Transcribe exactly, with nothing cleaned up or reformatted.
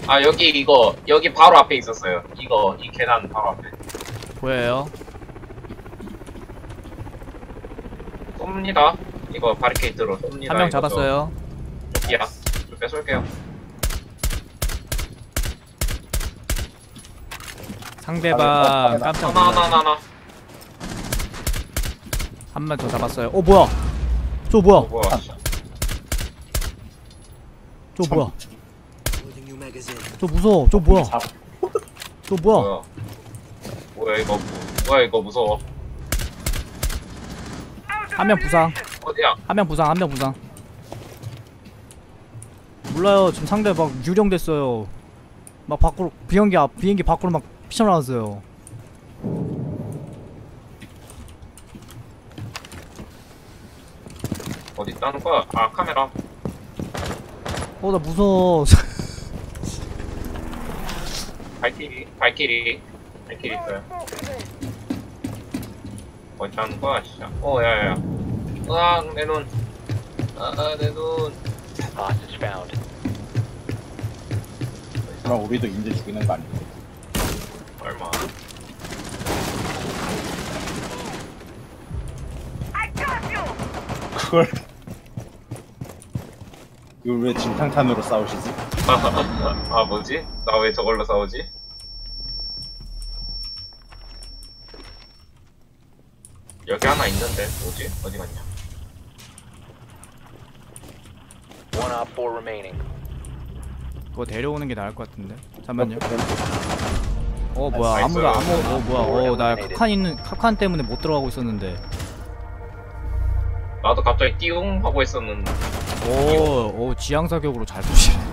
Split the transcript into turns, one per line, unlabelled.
아 여기 이거 여기 바로 앞에 있었어요. 이거 이 계단 바로 앞에.
보여요?
쏩니다. 이거 바리케이트로 쏩니다.
한 명 잡았어요.
여기야. 좀 뺏을게요.
상대방 깜짝
하나 하나
놀랐어.
하나 하나.
한 명 더 잡았어요. 어 뭐야? 저 뭐야?
어, 뭐야?
저 뭐야? 저 무서워. 저 뭐야? 저 뭐야?
뭐야? 뭐야 이거? 뭐야 이거 무서워?
한 명 부상.
어디야?
한 명 부상. 한 명 부상. 몰라요. 지금 상대 막 유령됐어요. 막 밖으로 비행기 앞 비행기 밖으로 막 피쳐나왔어요.
어디 있다는 거야? 아 카메라.
어 나 무서워.
발키리, 발키리, 발키리 있어요. 어디 있다는 거야 진짜? 어 야야야. 으악 내 눈. 아 내 눈.
Hostage found.
그럼 우리도 인제 죽이는 거 아니야?
얼마?
그걸 이걸 왜 진탕탄으로 싸우시지?
아 뭐지? 나 왜 저걸로 싸우지? 여기 하나 있는데 뭐지? 어디 갔냐?
One op four remaining.
그거 데려오는 게 나을 것 같은데. 잠만요. 어
나이스.
뭐야? 아무도 아무 어 뭐야? 어 나
eliminated.
카칸 있는 카칸 때문에 못 들어가고 있었는데.
나도 갑자기 띠용 하고 있었는데.
오, 오 지향 사격으로 잘 쏘시네.